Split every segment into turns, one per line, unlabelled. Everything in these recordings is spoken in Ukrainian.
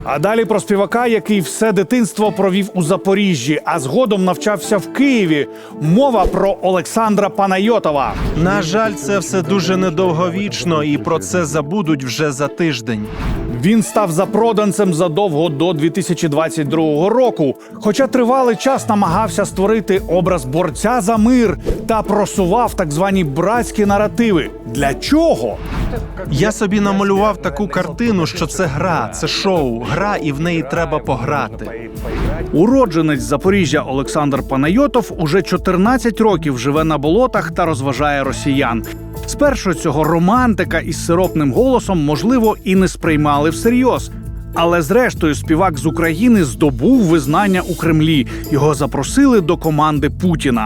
А далі про співака, який все дитинство провів у Запоріжжі, а згодом навчався в Києві. Мова про Олександра Панайотова.
На жаль, це все дуже недовговічно, і про це забудуть вже за тиждень.
Він став запроданцем задовго до 2022 року, хоча тривалий час намагався створити образ борця за мир та просував так звані братські наративи. Для чого?
Я собі намалював таку картину, що це гра, це шоу, гра, і в неї треба пограти.
Уродженець Запоріжжя Олександр Панайотов уже 14 років живе на болотах та розважає росіян. Спершу цього романтика із сиропним голосом, можливо, і не сприймали всерйоз. Але зрештою співак з України здобув визнання у Кремлі. Його запросили до команди Путіна.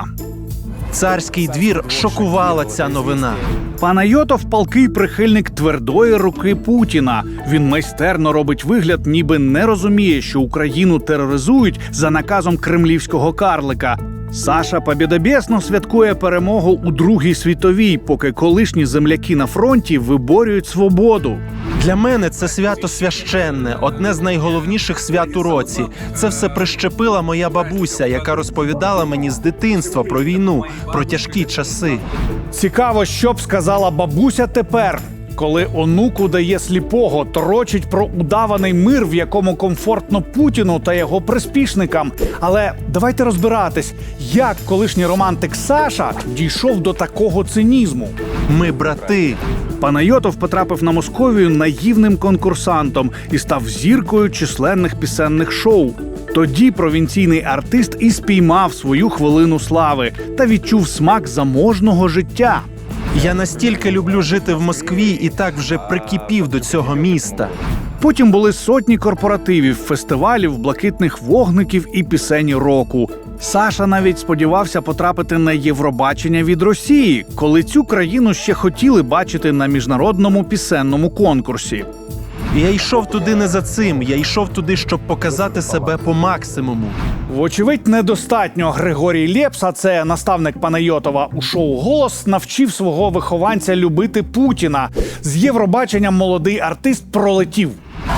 Царський двір шокувала ця новина.
Панайотов – палкий прихильник твердої руки Путіна. Він майстерно робить вигляд, ніби не розуміє, що Україну тероризують за наказом кремлівського карлика. Саша побєдобєсно святкує перемогу у Другій світовій, поки колишні земляки на фронті виборюють свободу.
Для мене це свято священне, одне з найголовніших свят у році. Це все прищепила моя бабуся, яка розповідала мені з дитинства про війну, про тяжкі часи.
Цікаво, що б сказала бабуся тепер, коли онуку дає сліпого, торочить про удаваний мир, в якому комфортно Путіну та його приспішникам. Але давайте розбиратись, як колишній романтик Саша дійшов до такого цинізму.
Ми брати.
Панайотов потрапив на Московію наївним конкурсантом і став зіркою численних пісенних шоу. Тоді провінційний артист і спіймав свою хвилину слави та відчув смак заможного життя.
Я настільки люблю жити в Москві і так вже прикипів до цього міста.
Потім були сотні корпоративів, фестивалів, блакитних вогників і пісень року. Саша навіть сподівався потрапити на Євробачення від Росії, коли цю країну ще хотіли бачити на міжнародному пісенному конкурсі.
Я йшов туди не за цим, я йшов туди, щоб показати себе по максимуму.
Вочевидь, недостатньо. Григорій Лепс, а це наставник Панайотова у шоу «Голос», навчив свого вихованця любити Путіна. З Євробаченням молодий артист пролетів.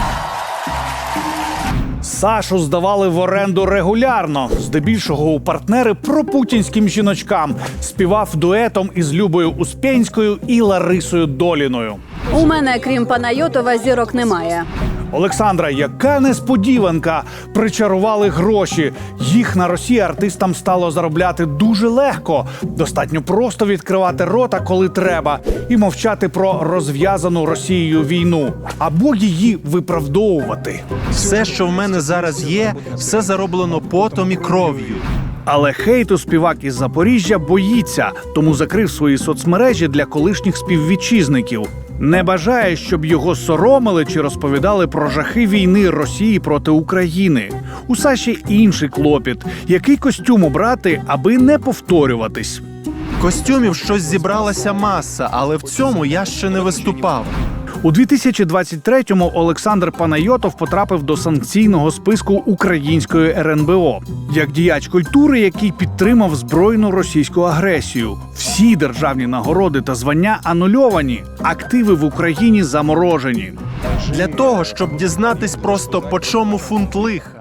Сашу здавали в оренду регулярно, здебільшого у партнери пропутінським жіночкам. Співав дуетом із Любою Успенською і Ларисою Доліною.
У мене, крім Панайотова, зірок немає.
Олександра, яка несподіванка! Причарували гроші. Їх на Росії артистам стало заробляти дуже легко. Достатньо просто відкривати рота, коли треба, і мовчати про розв'язану Росією війну. Або її виправдовувати.
Все, що в мене зараз є, все зароблено потом і кров'ю.
Але хейту співак із Запоріжжя боїться, тому закрив свої соцмережі для колишніх співвітчизників. Не бажає, щоб його соромили чи розповідали про жахи війни Росії проти України. У Саші інший клопіт. Який костюм обрати, аби не повторюватись?
Костюмів щось зібралася маса, але в цьому я ще не виступав.
У 2023-му Олександр Панайотов потрапив до санкційного списку української РНБО. Як діяч культури, який підтримав збройну російську агресію. Всі державні нагороди та звання анульовані. Активи в Україні заморожені.
Для того, щоб дізнатись просто, по чому фунт лиха.